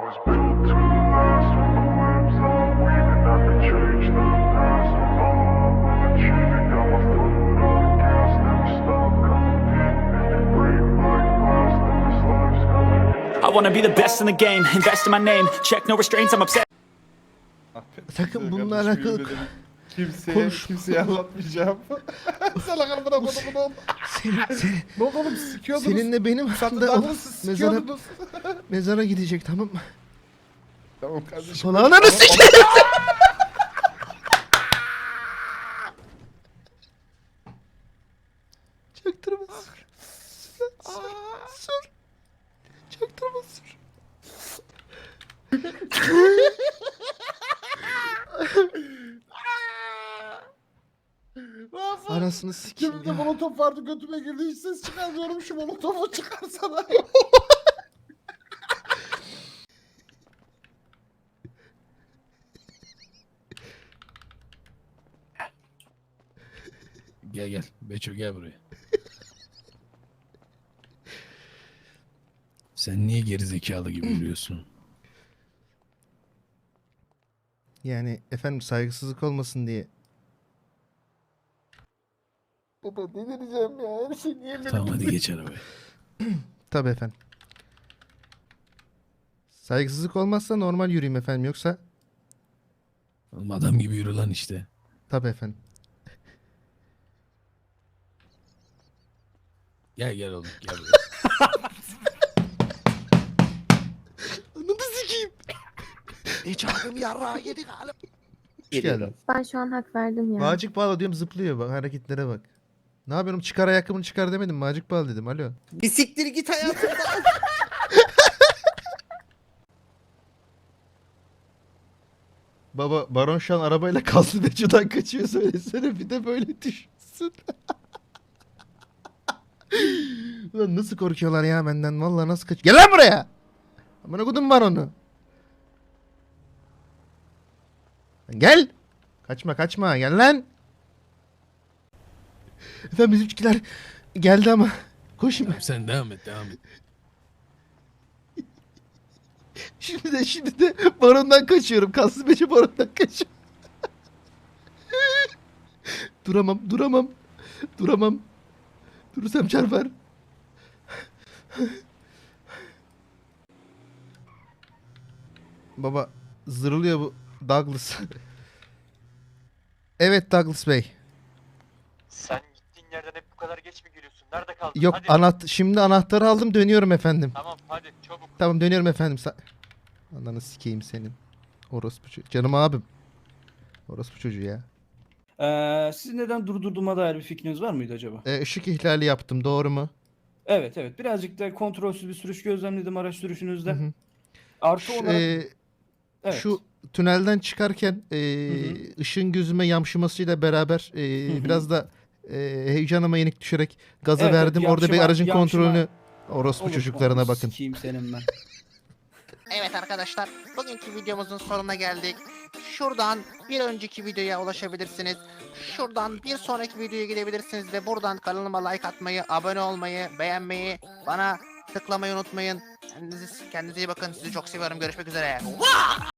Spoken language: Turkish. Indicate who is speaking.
Speaker 1: was built to last with the webs that I'm weaving. I could change the past with all I will achieve. It got my foot on the gas, never stop competing. If you break my glass, then this life's gonna end.
Speaker 2: I wanna be the best in the game, invest in my name, check no restraints, I'm obsessed.
Speaker 3: Sakın bununla alakalı
Speaker 4: Kimseye anlatmayacağım. Sana kalbına kodumun. Ne oldu oğlum, sikiyordunuz.
Speaker 3: seninle benim
Speaker 4: Satın
Speaker 3: aslında
Speaker 4: siz sikiyordunuz.
Speaker 3: mezara gidecek, tamam mı?
Speaker 4: Tamam kardeşim.
Speaker 3: Solağını sikeyim. Çaktırma sür. Sür. Çaktırma sür. Anasını sikeyim
Speaker 4: Cebimde
Speaker 3: ya.
Speaker 4: molotof vardı, götüme girdi, hiç ses çıkarmıyorum, şu molotofu çıkarsana.
Speaker 5: Gel gel. Beço gel buraya. Sen niye gerizekalı gibi yürüyorsun?
Speaker 3: Yani efendim saygısızlık olmasın diye.
Speaker 4: Baba delireceğim ya, her şey niye benim?
Speaker 5: Tamam hadi geç arabaya.
Speaker 3: Tabii efendim. Saygısızlık olmazsa normal yürüyeyim efendim, yoksa
Speaker 5: Oğlum adam gibi yürü lan işte.
Speaker 3: tabii efendim.
Speaker 5: Gel gel oğlum gel buraya.
Speaker 3: Ananı sikeyim.
Speaker 6: Hiç abim yarrağı yedi galiba.
Speaker 3: Hoş geldin.
Speaker 7: Ben şu an hak verdim ya.
Speaker 3: Macik bağla diyorum, zıplıyor bak, hareketlere bak. Ne yapıyorum, çıkar ayakkabını çıkar demedim, macik bağla dedim, alo.
Speaker 6: Bir siktir git hayatımdan.
Speaker 3: Baba Baron şu an arabayla kaslı Beco'dan kaçıyor, söylesene bir de böyle düşünsün. Ulan nasıl korkuyorlar ya benden, vallahi nasıl kaç. Gel lan buraya. Amına kodum var onu. Gel. Kaçma kaçma, gel lan. Efendim bizimkiler geldi ama koşun.
Speaker 5: Tamam, sen devam et devam et.
Speaker 3: Şimdi de Baron'dan kaçıyorum. Kaslı Beco Baron'dan kaçıyorum. Duramam. Durursam çarpar. Baba zırlıyor bu Douglas. Evet Douglas Bey.
Speaker 8: Sen gittiğin yerden hep bu kadar geç mi geliyorsun? Nerede kaldın?
Speaker 3: Yok
Speaker 8: Hadi.
Speaker 3: şimdi anahtarı aldım, dönüyorum efendim.
Speaker 8: Tamam hadi çabuk.
Speaker 3: Tamam dönüyorum efendim. Ananı sikeyim senin. Orospu çocuğu. Canım abim. Orospu çocuğu ya.
Speaker 9: Siz neden durdurduğuma dair bir fikriniz var mıydı acaba?
Speaker 3: Işık ihlali yaptım, doğru mu?
Speaker 9: Evet evet. Birazcık da kontrolsüz bir sürüş gözlemledim araç sürüşünüzde.
Speaker 3: Hı hı.
Speaker 9: Artı olarak... evet.
Speaker 3: Şu tünelden çıkarken ışığın gözüme yamşımasıyla beraber
Speaker 9: hı.
Speaker 3: biraz da heyecanıma yenik düşerek gaza
Speaker 9: Evet,
Speaker 3: verdim.
Speaker 9: evet,
Speaker 3: Orada bir aracın kontrolünü orospu
Speaker 9: Unutma,
Speaker 3: çocuklarına
Speaker 9: onu
Speaker 3: bakın.
Speaker 9: Sikeyim senin ben.
Speaker 6: Evet arkadaşlar, bugünkü videomuzun sonuna geldik. Şuradan bir önceki videoya ulaşabilirsiniz. Şuradan bir sonraki videoya gidebilirsiniz ve buradan kanalıma like atmayı, abone olmayı, beğenmeyi, bana tıklamayı unutmayın. Kendinize iyi bakın. Sizi çok seviyorum. Görüşmek üzere.